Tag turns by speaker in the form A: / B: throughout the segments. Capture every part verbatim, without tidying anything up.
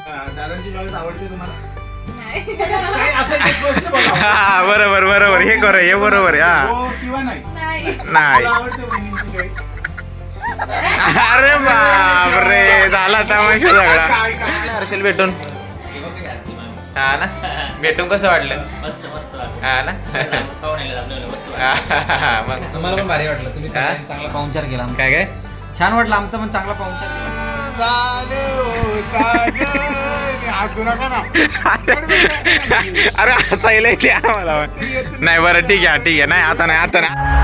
A: दादांची choice आवडते तुम्हाला?
B: नाही.
A: काय असेल ते प्रश्न बघा.
C: हा बरोबर बरोबर हे कर हे बरोबर हा
A: हो किंवा नाही?
B: नाही.
C: नाही.
A: मला आवडते वहिनींची चॉईस.
C: अरे बापरे झाला तमाशा सगळा.
A: काय काय
C: हर्षल भेटून हा ना भेटून कसं वाटलं
D: मस्त मस्त
C: हा ना
D: पाहून आले आपल्याला मस्त
C: मग
E: मला पण भारी वाटलं तुम्ही
C: हा?
E: सगळ्यांनी चांगला पाहुणचार केला आमचा.
C: काय काय
E: छान वाटलं आमचा पण चांगला पाहुणचार केला.
A: हसू नका ना.
C: अरे हसायला येते आम्हाला नाही बरं ठीक आहे ठीक आहे नाही आता नाही आता नाही.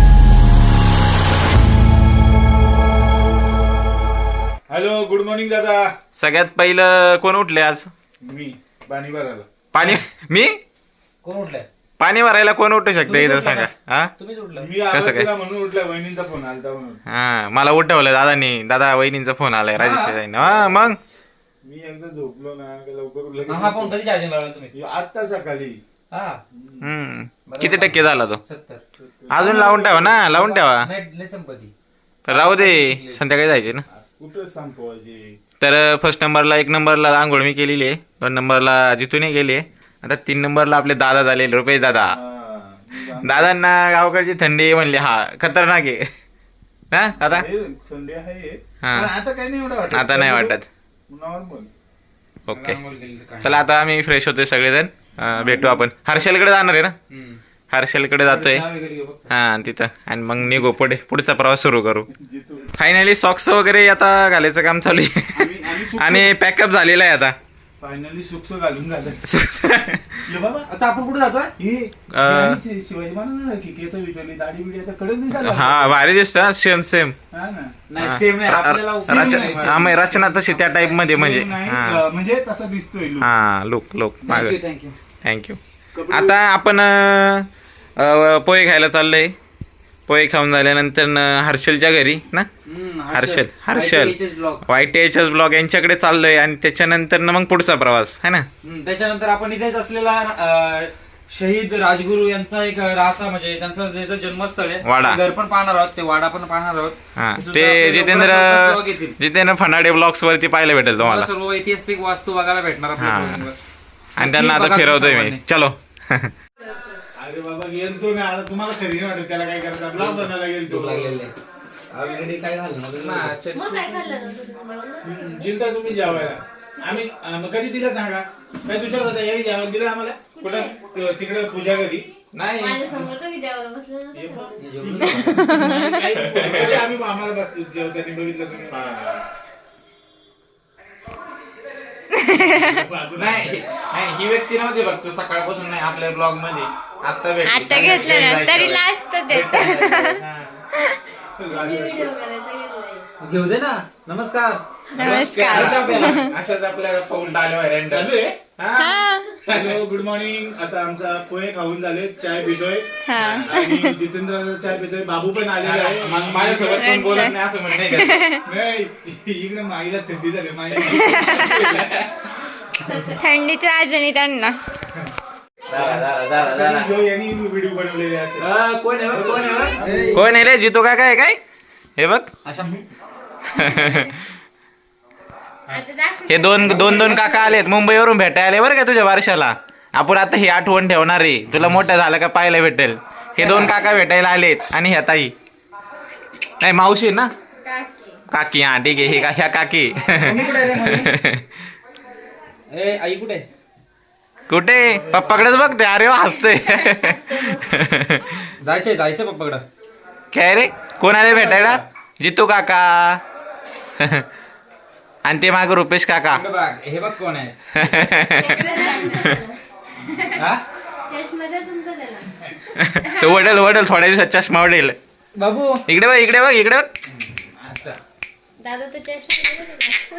A: हॅलो गुड मॉर्निंग दादा.
C: सगळ्यात पहिलं कोण उठले आज
A: मी पाणी भरायला.
C: पाणी मी
E: कोण उठलंय?
C: पाणी भरायला कोण उठू शकते इथं सांगा हा
E: तुम्हीच उठलं.
A: मी
C: कसं काय?
A: आवाज म्हणून उठला, वहिनींचा फोन आलता म्हणून.
C: हा मला उठवलं दादानी दादा वहिनींचा फोन आलाय राजेश जाईन हा मग
A: मी एकदा झोपलो ना का लवकर
E: हा फोन कधी चार्जिंग लावला तुम्ही?
A: उठलो. आता सकाळी.
E: हा
C: हम्म किती टक्के झाला तो
E: सत्तर.
C: अजून लावून ठेवा ना लावून ठेवा
E: नाही नाही संपत्ती.
C: राहू दे संध्याकाळी जायचे ना.
A: कुठं संपवायची?
C: तर फर्स्ट नंबरला एक नंबरला आंघोळ मी केलेली आहे दोन नंबरला जिथूनही गेली आहे आता तीन नंबरला आपले दादा झाले रुपेश दादा
A: हा, मी जाणार.
C: दादांना गावकडची थंडी म्हणली हा खतरनाक आहे हा दादा
A: हे थंडी आहे
C: हा.
A: पण आता काही नाही एवढं वाटत.
C: आता नाही वाटत
A: नॉर्मल.
C: ओके
E: आंघोळ केली तर काय?
C: चला आता आम्ही फ्रेश होतोय सगळेजण अं, भेटू आपण हर्षलकडे जाणार आहे ना
E: हम्म.
C: हर्षलकडे जातोय
E: चहा वगैरे घेऊ फक्त.
C: हा तिथं आणि मग निघू पुढे पुढचा प्रवास सुरू करू
A: जिथून
C: फायनली सॉक्स वगैरे आता घालायचं काम चालू आहे
A: आम्ही आम्ही सुक्स-
C: आणि पॅकअप झालेला आहे आता
A: फायनली सुक्स घालून झालं. ये बाबा
E: आता आपण कुठे जातोय?
A: हे
C: अं,
A: हे शिवाजी महाराज की केस विचारली दाढी बिडी आता कडक दिसायला
C: हा भारी दिसतं सेम सेम
A: हा ना.
E: नाही सेम नाही आपल्याला
A: नाही,
C: हा मग रचना तशी त्या टाईप मध्ये म्हणजे
A: नाही,
C: हा
A: अं, म्हणजे तसा दिसतोय look.
C: हा लोक लोक माग
E: थँक्यू थँक्यू.
C: थँक्यू आता आपण अं, अं, पोहे खायला चाललोय पोहे खाऊन झाल्यानंतर न हर्षलच्या घरी ना Harshal Harshal
E: blog.
C: Y T H S blog यांच्याकडे चाललोय आणि त्याच्यानंतर ना मग पुढचा प्रवास है ना
E: त्याच्यानंतर आपण इथेच असलेला अं, शहीद राजगुरू यांचा एक राहता म्हणजे त्यांचं जे जे जन्मस्थळ आहे
C: वाडा.
E: ते घर पण पाहणार आहोत ते वाडा पण पाहणार आहोत.
C: हा
E: सुद्धा
C: ते
E: आपल्याला
C: जितेंद्र
E: लवकरात लवकर vlog येतील.
C: जितेंद्र फनाडे ब्लॉग्स वरती पाहायला भेटेल
E: तुम्हाला
C: तुम्हाला
E: सर्व ऐतिहासिक वास्तू बघायला भेटणार आपल्या
C: हा.
E: vlog वर.
C: आणि त्यांना
E: नक्की
C: आता
E: बघा
C: फिरवतोय
E: तुम्ही
C: मी चलो
A: अरे बाबा गेलतो ना आता तुम्हाला खरी नाही वाटत त्याला काय करतात ब्लॉग बनायला गेलतो.
E: भूक लागलेली आहे. ऑलरेडी काय घालणं
B: मग काय खाल्लं नव्हतं तुम्ही?
A: गेलता तुम्ही जेवायला आम्ही अं, मग कधी दिलं सांगा काय दुसरं होता याही जेवण दिलं आम्हाला कुठं तिकडे पूजा घरी नाही
B: माझ्या समोर तो की जेवायला बसला
A: हे
B: नव्हता.
A: बघ. काही- कधी आम्ही आम्हाला बसतो जेवताना बघितलं तुम्ही
C: नाही नाही ही व्यक्ती नव्हती फक्त सकाळपासून नाही आपल्या ब्लॉग मध्ये आता भेटली
B: आता घेतलं ना तरी लास्ट देत
A: झाली.
B: व्हिडिओ करायचा घेतलाय.
E: घेऊ दे ना. नमस्कार.
B: नमस्कार.
E: चहा प्यायला.
C: अशाच आपल्या पाऊल आले
A: चालू आहे
B: हा.
A: Hello good morning. आता आमचा पोहे खाऊन झाले चाय पितोय
B: हा.
A: आणि जितेंद्र चाय पितोय बाबू पण आलेला आहे
C: मग माझ्यासोबत कोण बोलत नाही असं म्हणणं आहे का?
A: नाही इकडे माईला थंडी झाली माई
B: थंडीची आजणी त्यांना
A: यांनी व्हिडिओ बनवलेले असेल.
C: कोण आहे कोण आहे कोण आहे रे जितू काका आहे काय हे बघ
E: अशा
C: हे दोन दोन दोन काका आलेत मुंबईवरून भेटायला आले बरं का तुझ्या वर्षाला आपण आता ही आठवण ठेवणार आहे तुला मोठं झालं का पाहायला भेटेल हे दोन काका भेटायला आलेत आणि ह्या ताई नाही मावशी ना काकी हा ठीक आहे हे का ह्या काकी
E: मम्मी कुठे आहे रे मम्मी? ए आई कुठे आहे?
C: कुठे पप्पाकडेच बघते अरे वा हसते
E: जायचंय जायचंय पप्पाकडं.
C: काय रे कोण आले भेटायला जितू काका आणि ते माग रुपेश काका
E: इकडं बघ, हे बघ कोण आहे. हा?
B: चष्मध्ये तुमचं त्याला.
C: तो वडेल वडेल थोड्या दिवसात चष्मा वडेल
E: बाबू
C: इकडे बघ इकडे बघ इकडे बघ
B: दादा तो चष्मा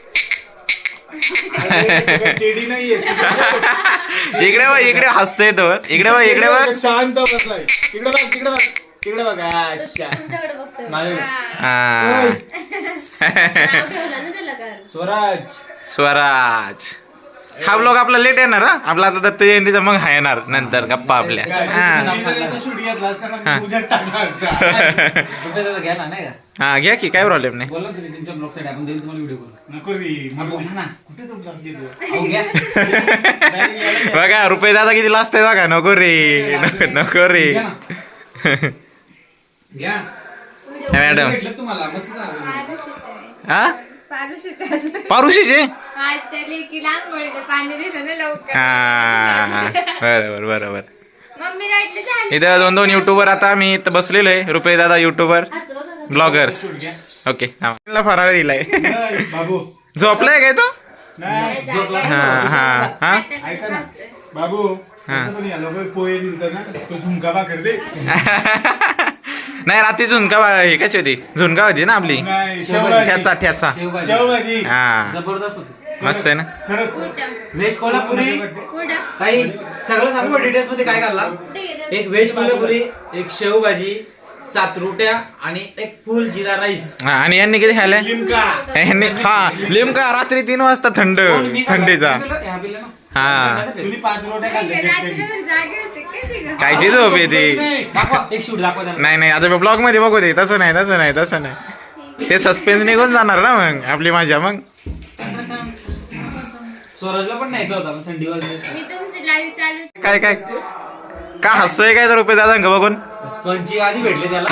A: टेडी नाहीये
C: इकडे बघ इकडे हसतोय तो इकडे बघ इकडे बघ
A: शांत बसलाय तिकडे बघ तिकडे बघ तिकडे बघ अच्छा.
B: तुमच्याकडे बघतोय.
E: माझ्याकडे.
C: हा.
B: नाव ठेवलं ना त्याला कारण.
E: स्वराज.
C: स्वराज हा ब्लॉग आपला लेट येणार हा आपला आता दत्त जयंतीचा मग हा येणार नंतर गप्पा आपल्या
A: काय,
C: हा
A: मी जर याचा शूट घेतला असता ना, मी उद्या टाकला असता.
E: रुपयाचा घ्या ना नाही का?
C: हा घ्या की काय प्रॉब्लेम नाही.
E: बोला तुम्ही तुमच्या ब्लॉग साठी आपण देईल तुम्हाला व्हिडिओ करू.
A: नको रे
E: हा, बोला ना.
A: कुठे तो ब्लॉग घेतो
E: अहो, घ्या.
C: बघा रुपये दादा किती लाजते बघा. नको रे नको- नको रे.
E: घ्या ना. घ्या.
C: मॅडम
E: भेटलं तुम्हाला मस्त झालं.
B: पारुशीचं आहे.
C: हा
B: पारुशीचं आहे.
C: पारुशीचे
B: आज त्या लेकीला आंघोळीला पाणी दिलं ना लवकर.
C: हा बरोबर बरोबर.
B: मम्मी राईट झाली.
C: इथं दोन दोन युट्यूबर आता आम्ही इथं बसलेलो आहे. रुपये दादा युट्यूबर
B: असं बघा कसं.
C: ब्लॉगर. ओके हा फराळ दिलाय.
A: नाही, बाबू
C: झोपलाय काय तो?
A: नाही
E: झोपला.
C: हा हा हा
A: ऐका ना बाबू तसं पण या लोक पोहे दिलत ना तो झुमका भाकर दे.
C: नाही रात्री झुणका बा- हे कशी होती झुणका होती ना आपली.
A: नाही
C: ठ्याचा
A: शेवभाजी
C: ठ्याचा.
E: शेवभाजी
A: शेवभाजी
C: हा
E: जबरदस्त होती.
C: मस्त आहे ना.
A: खरंच
B: कुठं?
E: व्हेज कोल्हापुरी
B: कुठं?
E: ताई सगळं सांगू डिटेल्स मध्ये काय घालला.
B: कुठे गेलं?
E: एक व्हेज कोल्हापुरी, एक शेवभाजी, सात रोट्या आणि एक फुल जिरा राईस.
C: हा, आणि यांनी किती खाल्लंय?
A: लिमका
C: यांनी हा लिमका रात्री तीन वाजता थंड
E: कोण मी खाल्ला?
C: थंडीचा.
E: मी पिलं? ह्या पिलं ना?
C: हा.
A: तुम्ही पाच रोट्या खाल्ल्या
B: रात्रभर जागे होते काय ते गं?
C: कायची झोप येते.
E: दाखवा एक शूट दाखवा त्यांना.
C: नाही नाही आता ब्लॉग मध्ये बघू दे. तसं नाही तसं नाही तसं नाही. ते सस्पेन्स निघून जाणार ना मग आपली मजा मग.
E: स्वराजला पण न्यायचा होता पण थंडी वाजली.
B: मी तुमची लाईव्ह चालू.
C: काय काय का हसतोय काय तर रुपये दादा का बघून.
E: स्पंची आधी भेटले त्याला.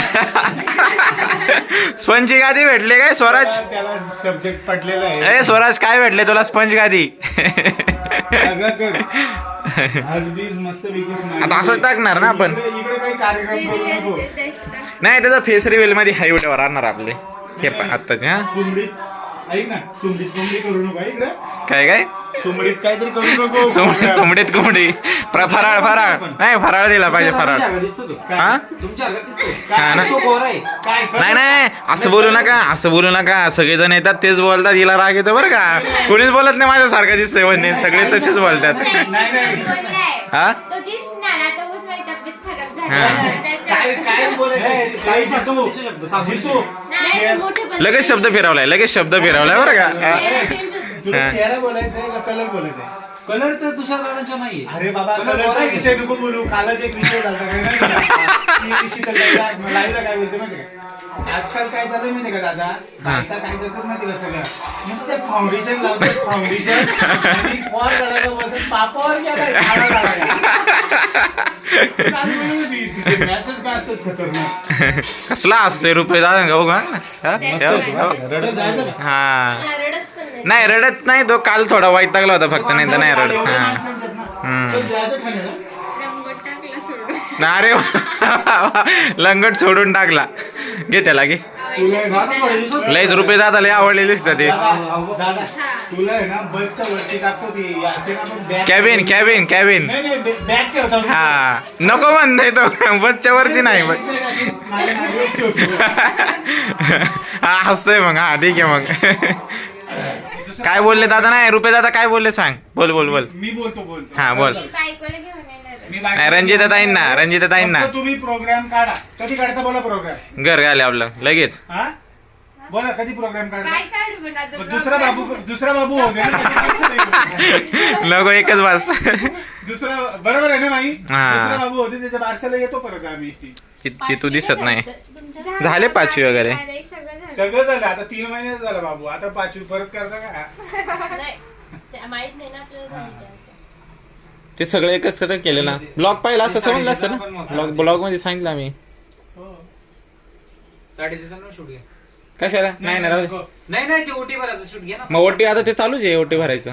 C: स्पंज गादी भेटले काय स्वराज?
A: त्याला सब्जेक्ट पटलेला आहे
C: ए स्वराज काय भेटले तुला स्पंज गादी?
A: सगळं कर. आज बीज मस्त विकेस
C: आता असंच टाकणार ना आपण.
A: इकडे काही कार्यक्रम करू नको.
C: नाही त्याचा फेस रिव्हिल मध्ये हाय व्हिडिओ राहणार आपले हे पण आत्ताचे. हा
A: सुमडीत ऐक ना सुमडीत कोंबडी करू नको इकडे.
C: काय काय
A: सुमडीत काहीतरी करू नको.
C: सोम- सोमडीत कोंबडी प्र- फराळ फराळ नाही फराळ दिला पाहिजे
E: तुमच्या
C: फराळ.
E: अर्घ्यात दिसतो तो.
C: हा
E: तुमच्या अर्घ्यात दिसतो.
C: हा ना.
E: तो गोरा आहे.
A: काय कर?
C: नाही नाही असं बोलू नका असं बोलू नका. सगळेजण येतात तेच बोलतात. हिला राग येतो बरं का. कोणीच बोलत नाही माझ्यासारखं दिसतंय म्हणजे सगळे तसेच बोलतात.
A: नाही नाही
C: हा
B: तो दिसणार आता उगाच माझी तब्येत खराब झाली.
C: हा.
A: काय काय
E: ए,
A: बोलायचं
E: ताई
A: जितू
E: दिसू शकतो, सापडू
A: जितू
E: शकतो.
B: नाही तो मोठे पण-
C: लगेच शब्द फिरवलाय लगेच शब्द फिरवलाय बरं का. हा.
B: चेहरा change होतो.
A: तुला
C: हा.
A: चेहरा बोलायचा आहे का कलर बोलायचा आहे?
E: कलर तर तुषार दादांच्या नाहीये.
A: अरे बाबा
E: कलर
A: कलरचा
E: गोरा
A: विषय नको बोलू. कालच एक विषय झाला काय माहिती का? ती विषय तर लाईव्ह लाईव्हला काय बोलते माहिती का? आजकाल काय चालू माहिती का दादा बायका काय करतात माहिती का सगळं नुसतं फाउंडेशन लावतात फाउंडेशन आणि फॉर करायला बोलतात पापावर गेलाय काळा झालाय. काल बोलली होती, तिचे मॅसेज काय असतात खतरनाक.
C: कसला असतोय रुपये दादा का बघा ना. हा?
A: चल, जायचं का?
C: हा
B: मला रडत पण नाही.
C: नाही रडत नाही तो काल थोडा वैतागला होता फक्त नाही तर नाही
A: काल
C: रडत.
A: एवढे
C: हा
A: माणसं आहेत ना. चल, जायचं ठाण्याला.
B: रंगोट टाकला सोडून.
C: अरे वा. लंगट सोडून टाकला. घे त्याला घे.
E: दादा थोड्या दिवसात
C: लयच रुपये दादा लय आवडलेली दिसतात ते.
A: दादा दादा तुला आहे ना बसच्या वरती टाकतो ती असते ना आपण बॅग
C: कॅबिन कॅबिन कॅबिन.
A: नाही नाही बॅग ठेवतो.
C: हा नको म्हणतोय तो बसच्या वरती नाही बस.
A: माझ्या मागे ठेवतो.
C: हा हसतोय मग. हा ठीक आहे मग. काय बोलले दादा? नाही रुपये दादा काय बोलले सांग. बोल बोल बोल.
A: मी बोलतो बोलतो
C: हा बोल.
B: मी बायकोला घेऊन येणार आहे.
A: मी बायको-
C: नाही रंजिता ताईंना रंजिता ताईंना
A: फक्त तुम्ही प्रोग्राम काढा. कधी काढता बोला प्रोग्राम.
C: घर घाले आपलं लगेच.
A: हा बोला कधी प्रोग्राम काढता.
B: काय काढू पण आता
A: मग दुसरा बाबू दुसरा बाबू होते ना, त्याची tension नाही.
C: नको एकच बस.
A: दुसरा बरोबर आहे ना माई.
C: हा.
A: दुसरा बाबू होते त्याच्या बारशाला येतो परत आम्ही.
C: की तू दिसत नाही.
B: तुमच्या
C: झाले पाचवी वगैरे.
B: अरे, सगळं झालं.
A: सगळं झालं आता तीन महिने झालं बाबू. आता पाचवी परत करता का?
B: नाही, ते माहित नाही ना आपल्याला झाली ते असं.
C: ते सगळं एकच कडे केलं ना. ब्लॉग पाहिला असं समजलं असतं ना. ब्लॉग ब्लॉग मध्ये सांगितलं आम्ही.
A: हो.
E: साडे तिथं शूट घ्या.
C: कशाला नाही ना राहू दे.
E: नाही नाही ते ओटी भरायचं शूट घ्या ना.
C: मग ओटी आता ते चालूच आहे ओटी भरायचं.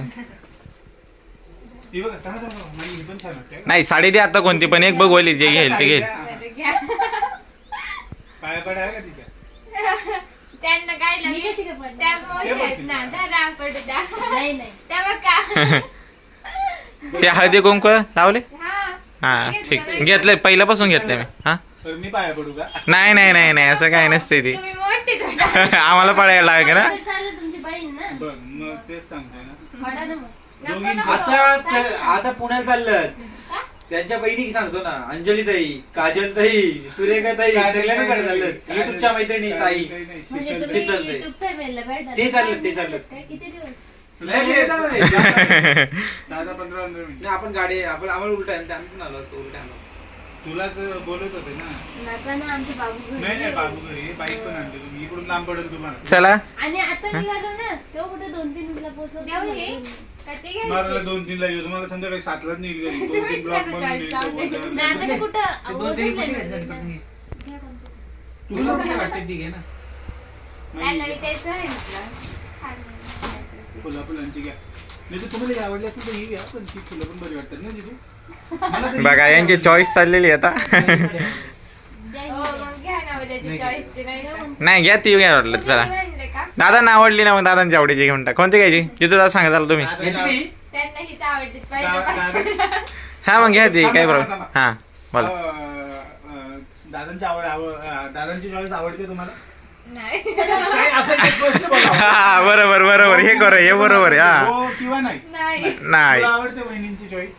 A: हे बघा, थांबा, थांबा. माई, ही पण छान वाटते.
C: नाही साडी दे आता कोणती पण एक बघ बोलली जे घेईल ते घेईल.
B: बरं, घ्या.
A: पाया पड आहे का तिच्या?
B: त्यांना काय
F: मी
B: लागलं?
F: कशी काय पडणार?
B: त्या
A: ते
B: मोठ्या आहेत
A: बघतील.
B: ना, धरा पडू द्या.
F: नाही नाही
B: तेव्हा का?
C: ते हळदी कुंकू लावले.
B: हा.
C: हा ठीक घेतलंय पहिल्यापासून घेतलंय मी. हा
A: तर मी पाया पडू का?
C: नाही नाही नाही नाही असं काय नसते ते.
B: तुम्ही मोठे धरा.
C: आम्हाला पडायला लागेल ना.
F: तर चालेल तुमची बहीण ना
A: बघ मग तेच सांगतोय ना.
F: पडा ना मग.
B: नको,
A: दोघींचं-
B: नको.
E: आता च- आता पुण्यात चाललं त्यांच्या बहिणी सांगतो ना अंजली ताई काजल ताई सुरेखा ताई सगळ्यांकडे चाललं युट्यूबच्या मैत्रिणी ताई.
F: म्हणजे
A: शीतल-
F: तुम्ही
E: शीतल ताई.
F: युट्यूब फॅमिलीला भेटणार.
E: ते चाललं, ते चाललं.
F: काय किती दिवस?
E: नाही, नाही, नाही, नाही.
A: दहा पंधरा पंधरा मिनिट.
E: नाही, आपण गाडी आपण आम्हाला उलटा आहे, आम्ही पण आलो असतो उलटा आलो.
A: तुलाच बोलत होते ना.
F: नका ना आमचे बाबू घरी
A: नाही नाही
F: गेले.
A: बाबू घरी बाईक पण आणली तुम्ही इकडून लांब पडेल तुम्हाला.
C: चला
F: आणि आता निघालो ना तेव्हा कुठे दोन तीन मिनिटला पोहोचव
B: देऊ हे का ते घ्यायचे?
A: मला दोन तीन ला येऊ तुम्हाला संध्याकाळी सातलाच निघेल घरी. दोन तीन
B: तुम्हीच
A: ब्लॉक
B: करा
A: बनवून
B: चाळीस
A: येईल,
B: जाऊ दे.
A: तो बोलतो.
F: नाही, आता ते कुठं
E: ते दोन
F: ओझरलंय
E: तरी कुठे
F: ना.
E: घ्यायचं पटकन घे.
F: घ्या कोणतं.
E: तुला कुठे वाटते ती घे ना.
B: त्यांना मी तेच सांगितलं. छान आहे.
A: फुलं फुलांची घ्या. नाही तर तुम्हाला ही आवडली असेल तर ही घ्या पण ती फुलं पण बरी वाटतात ना जिथे.
E: मला तरी-
C: बघा यांची चॉईस चाललेली आहे आता
F: द्या
B: हो
F: ही.
B: मग घ्या ना उद्याची
E: नाही.
B: चॉईसची नाही
F: द्या
B: का?
F: कोणतं.
C: नाही घ्या ती घ्या वाटलं चला.
B: तुम्ही म्हणले का?
C: दादा आवडली ना मग दादांची आवडीची घेऊन टाक. कोणती घ्यायची जिथू दादा सांगा चाल तुम्ही
A: आता
E: घ्यायची काही?
B: त्यांना हीच आवडली
A: दा-
B: पहिल्यापासून.
C: हा मग घ्या ती काय
A: थांबा,
C: प्रॉब्लेम
A: थांबा.
C: हा बोला
A: अं, अं, दादांची आवड आवड अं, दादांची चॉईस आवडते तुम्हाला.
B: नाही.
A: काय असं एक प्रश्न बघा.
C: हा बरोबर बरोबर हे कर हे बरोबर आहे, हा
A: हो किंवा नाही.
B: नाही.
C: नाही
A: तुला आवडते वहिनींची चॉईस.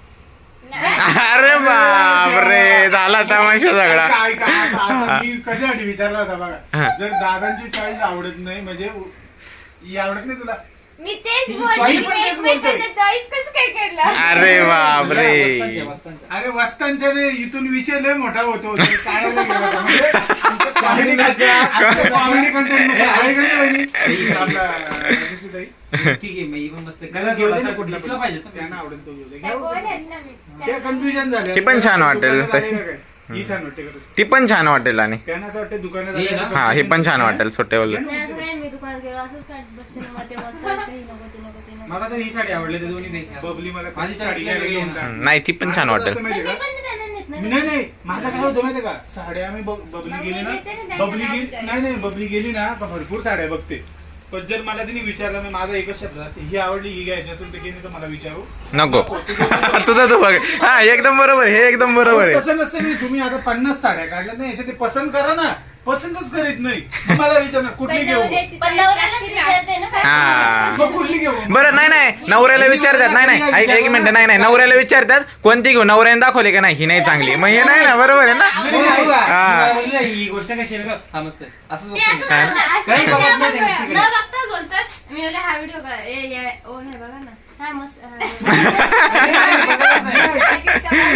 B: नाही.
C: अरे बापरे झाला तमाशा सगळा
A: ऐका, ऐका, आता- आता मी कशासाठी विचारला होता
C: हा.
A: बघा. जर दादांची चॉईस आवडत नाही म्हणजे ही आवडत नाही तुला.
B: मी तेच
E: तिची
B: बोलते
E: choice
B: की
A: पण तेच
B: एकमेकांना चॉईस कसं काय केलं?
C: अरे बापरे
E: वस्तांच्या, वस्तांच्या.
A: अरे वस्तांच्या रे, इथून विषय लय मोठा होतो ते काढायला गेला होता. म्हणजे आमचं comedy content- आमचं comedy content नको. आहे का नाही वहिनी? आपला राजेश्रीताई?
E: ठीक आहे मी पण मस्त कलर
A: घेऊ दे
E: थोडासा
A: ना कुठला
E: दिसला
A: पण.
E: पाहिजे
A: त्यांना
E: ना.
A: आवडेल तो घेऊ दे.
B: त्या
A: घ्या.
B: गोल आहेत ना मी.
A: ते कन्फ्युजन झाले.
C: ती पण छान वाटेल
A: दुकानात
C: तशी.
A: आलेलं काय? ही छान वाटते का तुला?
C: ती पण छान वाटेल आणि
A: त्यांना असं वाटतं दुकानात
E: हे
A: आलेलं
E: ना?
C: हा हे पण छान वाटेल सुटेबल
F: नाही, असं काय मी दुकानात गेलो असंच काढत बसते ना मग ते मग काढते, हे नको ते नको ते नको.
E: मला तर ही साडी आवडली त्या दोन्ही पैकी.
A: बबली मला
E: माझी
A: साडी
E: साडी
A: घ्यायला घेऊन जा.
C: नाही ती पण छान
A: माझं
C: वाटेल
A: असं माहिती
F: पण
A: आहे
F: मी
A: का?
F: पण त्यांना नेत नाही.
A: नाही नाही माझं काय होतं माहितीये का साड्या आम्ही बब- बबली
B: मग
A: गेली
B: मी
A: ना
B: देते ना त्यांना
A: बबली गेली
B: नाव
A: नाही नाही बबली गेली ना का भरपूर साड्या बघते. पण जर मला तिने विचारलं ना माझा एकच शब्द असते ही आवडली ही घ्यायची असेल तर की नाही तर मला विचारू
C: नको तुझं तू बघ हा एकदम बरोबर हे एकदम बरोबर आहे
A: तसं नसतं नाही. तुम्ही आता पन्नास साड्या काढल्या ना याच्यात ते पसंत करा ना. पसंतच करीत नाही मग मला विचारणार कुठली
B: पण
A: घेऊ
B: नवऱ्याची
F: पण
B: choice
F: नवऱ्यालाच
B: लागते ना.
F: विचारते ना काय
C: हा
A: मग कुठली घेऊ
C: बरं नाही नाही नवऱ्याला विचारतात नाही नाही ऐक एक मिनिट नाही नाही नवऱ्याला विचारतात कोणती घेऊ नवऱ्याने दाखवली का नाही ही नाही चांगली मग हे नाही ना बरोबर आहे ना
E: नाही, नाही, बघा.
C: हा.
E: मला बोलली ना, ही गोष्ट कशी आहे ना का? हा मस्त आहे. असंच
F: ते असं
E: बघतो मी.
C: हा.
F: म्हणतात, असं
E: काही
F: न
E: बघत नाही
F: बघता-
E: त्यांच्या
F: न
E: तिकडे.
F: बघता बोलतात मी बोलले हा व्हिडिओ का ए ये ओ हे बघा ना हा मस्त हा.
E: नाही, नाही, बघतच नाही.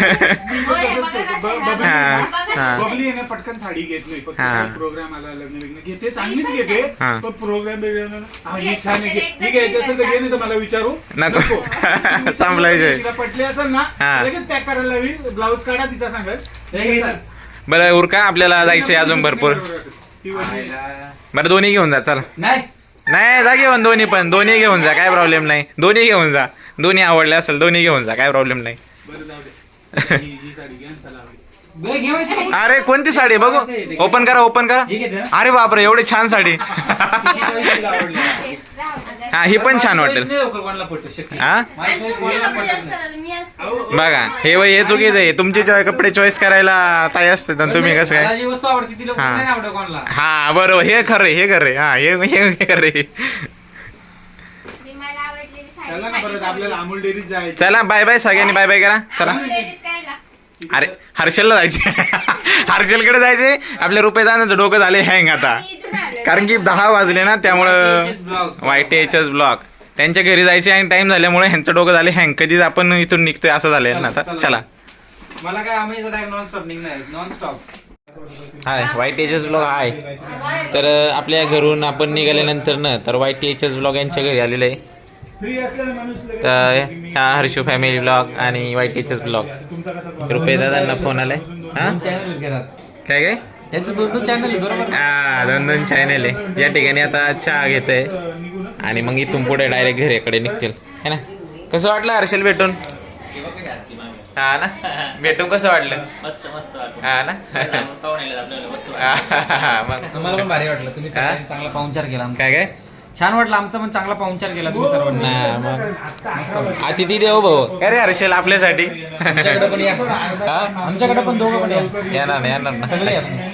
F: ओ, हे बघा कसं आहे, हा,
C: हा.
F: बघा कसं
C: हा.
F: आहे.
A: बबली आहे ना पटकन साडी घेत नाही फक्त
C: हा.
A: काही प्रोग्राम आला लग्न बिग्न घेते चांगलीच घेते
C: हा.
A: पण प्रोग्राम बिग्राम हा ही छान आहे घे. ही घ्यायची असेल तर घे नाही तर मला विचारू
C: नको.
A: तुम्ही
C: संपलायचंय.
A: तिला पटली असेल ना
C: हा.
A: लगेच पॅक करायला लावी ब्लाऊज काढा तिचा सांगत
E: हे घे, चल.
C: बरं उरका आपल्याला जायचंय अजून भरपूर
A: ती वहिनी-
E: आयला.
C: बरं दोन्ही घेऊन जा चला
E: नाही
C: नाही जा घेऊन दोन्ही पण दोन्ही घेऊन जा काय प्रॉब्लेम नाही दोन्ही घेऊन जा दोन्ही आवडले असेल दोन्ही घेऊन जा काय प्रॉब्लेम नाही
A: बरं जाऊ दे ही ही साडी घ्या आणि चला आवडी.
E: बे, घेवायची.
C: अरे कोणती साडी बघू ओपन करा ओपन करा
E: ही घेते ना?
C: अरे बापरे एवढी छान साडी
E: तिची choice तिला आवडली.
C: हा ही पण छान
E: माझी
C: वाटेल
E: choice नाही लवकर कोणाला पटत, शक्य
C: हा?
E: नाही. माझी
F: आणि
E: choice
F: तुमचे
E: कोणाला
F: कपडे
E: पटत
F: जास्त
E: नाही.
F: करायला मी असते
A: अहो,
C: बघा हे वय हे चुकीचं आहे तुमचे चॉय- कपडे चॉईस करायला ताई असते तर तुम्ही कसं
E: मला
C: काय
E: जी वस्तू आवडते तिला
C: हा.
E: नाही आवडत कोणाला.
C: हा बरोबर हे खरं आहे, हे खरं आहे. हा हे हे हे खरं आहे.
B: मी मला आवडलेली साडी
A: चला ना परत आपल्याला अमूल डेअरीत जायचं
C: चला बाय बाय सगळ्यांनी बाय बाय करा चला
B: आवडलेलीच काय ला?
C: अरे हर्षलला जायचे हर्षलकडे जायचे आपल्या रुपये जाण्याचं डोकं झाले हँग आता
B: मी इथून आले.
C: कारण की दहा वाजले ना त्यामुळं
E: YTHS blog.
C: Y T H S block त्यांच्या घरी जायचे आणि टाइम झाल्यामुळे ह्यांचं डोकं झाले हँग कधीच आपण इथून निघतोय असं झालंय ना आता चला
E: मला काय आम्ही नॉन स्टॉप निघणार नॉन स्टॉप.
C: हाय Y T H S blog आहे तर अं, आपल्या घरून आपण निघाल्यानंतर ना तर Y T H S blog यांच्या घरी आलेलं आहे
A: फ्री असलेला माणूस लगेच
C: तर
A: सांगतो की मी-
C: ह्या हर्षू फॅमिली ब्लॉग आणि Y T H S blog
A: तुमचा कसा problem?
C: रुपये दादांना फोन आलाय हा
E: चॅनल घरात
C: काय काय
E: त्यांचं दोन दोन चॅनल बरोबर.
C: हा दोन दोन चॅनल आहे या ठिकाणी आता चहा घेतोय
A: निघू ना
C: आणि मग इथून पुढे डायरेक्ट घरीकडे निघतील है ना कसं वाटलं हर्षल भेटून हा ना भेटून कसं वाटलं
D: मस्त मस्त वाटलं.
C: हा ना
D: पाहुणे आलेत आपल्याला वस्तू
C: मग
E: मला पण भारी वाटलं तुम्ही सगळ्यांनी चांगला पाहुणचार केला आमचा.
C: काय काय
E: छान वाटलं आमचा पण चांगला पाहुणचार केला तुम्ही सर्वांनी.
C: ना मग अतिथी देव भाऊ अरे हर्षल आपल्यासाठी
E: आमच्याकडे पण या
C: हा?
E: आमच्याकडे पण दोघं पण या
C: येणार ना येणार ना
E: सगळे या.